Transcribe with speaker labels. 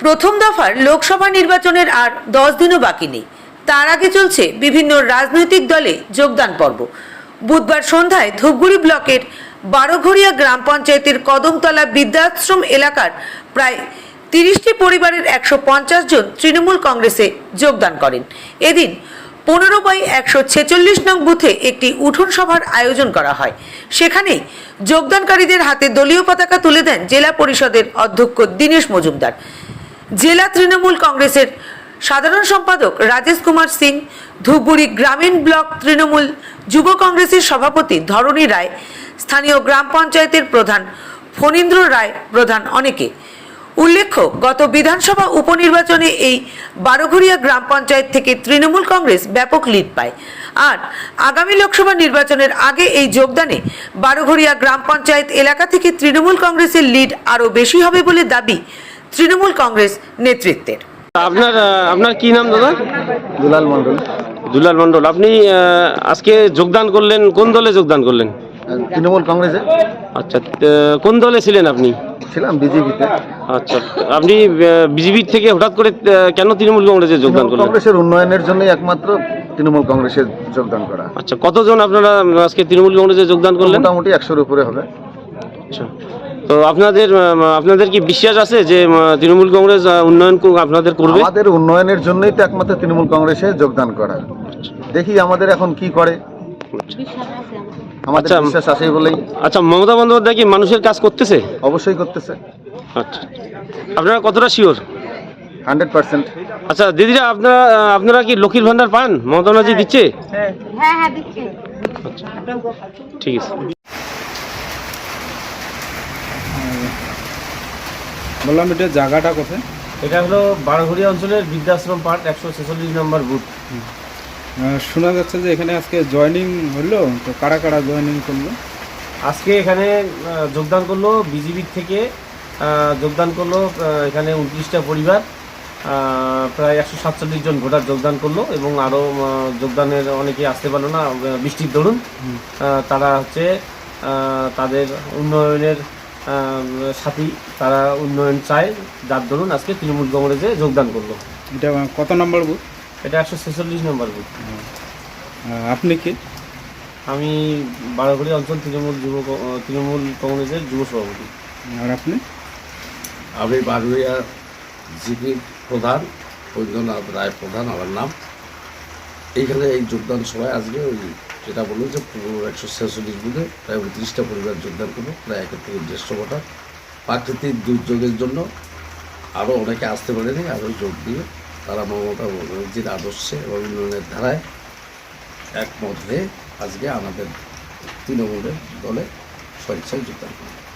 Speaker 1: প্রথম দফার লোকসভা নির্বাচনের আর 10 দিনও বাকি নেই। তার আগে চলছে বিভিন্ন রাজনৈতিক দলে যোগদান পর্ব। বুধবার সন্ধ্যায় ধূপগুড়ি ব্লকের বারোঘরিয়া গ্রাম পঞ্চায়েতের কদমতলা বৃদ্ধাশ্রম এলাকার প্রায় 30টি পরিবারের 150 জন তৃণমূল কংগ্রেসে যোগদান করেন। এদিন 15/146 নং বুথে একটি উঠোন সভার আয়োজন করা হয়। সেখানেই যোগদানকারীদের হাতে দলীয় পতাকা তুলে দেন জেলা পরিষদের অধ্যক্ষ দীনেশ মজুমদার, জেলা তৃণমূল কংগ্রেসের সাধারণ সম্পাদক রাজেশ কুমার সিং, ধূপগুড়ি গ্রামীণ ব্লক তৃণমূল যুব কংগ্রেসের সভাপতি ধরণী রায়, স্থানীয় গ্রাম পঞ্চায়েতের প্রধান ফণীন্দ্র রায় প্রধান অনেকে। উল্লেখ্য, গত বিধানসভা উপনির্বাচনে এই বারোঘরিয়া গ্রাম পঞ্চায়েত থেকে তৃণমূল কংগ্রেস ব্যাপক লিড পায়। আর আগামী লোকসভা নির্বাচনের আগে এই যোগদানে বারোঘরিয়া গ্রাম পঞ্চায়েত এলাকা থেকে তৃণমূল কংগ্রেসের লিড আরও বেশি হবে বলে দাবি তৃণমূল কংগ্রেস নেতৃত্বের।
Speaker 2: আপনার কি নাম দাদা?
Speaker 3: দুলাল মন্ডল।
Speaker 2: দুলাল মন্ডল, আপনি আজকে যোগদান করলেন, কোন দলে যোগদান করলেন?
Speaker 3: তৃণমূল কংগ্রেসে।
Speaker 2: আচ্ছা, কোন দলে ছিলেন আপনি?
Speaker 3: ছিলাম বিজেপিতে।
Speaker 2: আচ্ছা, আপনি বিজেপি থেকে হঠাৎ করে কেন তৃণমূল কংগ্রেসে যোগদান করলেন?
Speaker 3: কংগ্রেসের উন্নয়নের জন্যই একমাত্র তৃণমূল কংগ্রেসে যোগদান করা।
Speaker 2: আচ্ছা, কতজন আপনারা আজকে তৃণমূল কংগ্রেসে যোগদান করলেন?
Speaker 3: মোটামুটি 100-এর উপরে হবে।
Speaker 2: আচ্ছা, তো আপনাদের কি বিশ্বাস আছে যে তৃণমূল কংগ্রেস উন্নয়ন আপনাদের করবে?
Speaker 3: আমাদের উন্নয়নের জন্যই তো একমাত্র তৃণমূল কংগ্রেসে যোগদান করা। দেখি আমাদের এখন কি করে। আমাদের বিশ্বাস আছে বলেই।
Speaker 2: আচ্ছা, মমতা বন্দ্যোপাধ্যায় কি মানুষের কাজ করতেছে?
Speaker 3: অবশ্যই করতেছে।
Speaker 2: আচ্ছা, আপনারা কতটা শিওর?
Speaker 3: 100%।
Speaker 2: আচ্ছা দিদিরা, আপনারা কি লক্ষ্মীর ভান্ডার পান? মমতা ব্যানার্জি দিচ্ছে?
Speaker 4: হ্যাঁ দিচ্ছে।
Speaker 2: আচ্ছা, ঠিক আছে।
Speaker 5: বললাম এটা জায়গাটা কোথায়?
Speaker 2: এটা হলো বারোঘরিয়া অঞ্চলের বৃদ্ধাশ্রম পার্ট 146 নম্বর বুথ।
Speaker 5: শোনা যাচ্ছে যে এখানে আজকে জয়েনিং হলো, তো কারা কারা জয়েনিং করলো?
Speaker 2: আজকে এখানে যোগদান করলো বিজেপির থেকে যোগদান করলো এখানে 29টা পরিবার, প্রায় 147 জন ভোটার যোগদান করলো এবং আরও যোগদানের অনেকে আসতে পারলো না বৃষ্টির দরুন। তারা হচ্ছে তাদের উন্নয়নের সাথী, তারা উন্নয়ন চায়, যার দরুন আজকে তৃণমূল কংগ্রেসে যোগদান করলো।
Speaker 5: এটা কত নম্বর বুথ?
Speaker 2: এটা 146 নম্বর বুথ।
Speaker 5: আপনি কি?
Speaker 2: আমি বারোঘরিয়া অঞ্চল তৃণমূল কংগ্রেসের যুব সভাপতি।
Speaker 5: আর আপনি?
Speaker 6: আমি বারোঘরিয়া জিপির প্রধান বৈদ্যনাথ রায় প্রধান আমার নাম। এইখানে এই যোগদান সভায় আজকে ওই যেটা বললো যে 146 বুথে প্রায় 29টা পরিবার যোগদান করবো, প্রায় 1 থেকে 150 ভোটার। প্রাকৃতিক দুর্যোগের জন্য আরও অনেকে আসতে পারেনি, আরও যোগ দিয়ে তারা মমতা ব্যানার্জির আদর্শে এবং উন্নয়নের ধারায় একমত হয়ে আজকে আমাদের তৃণমূলের দলে স্বেচ্ছায় যোগদান করে।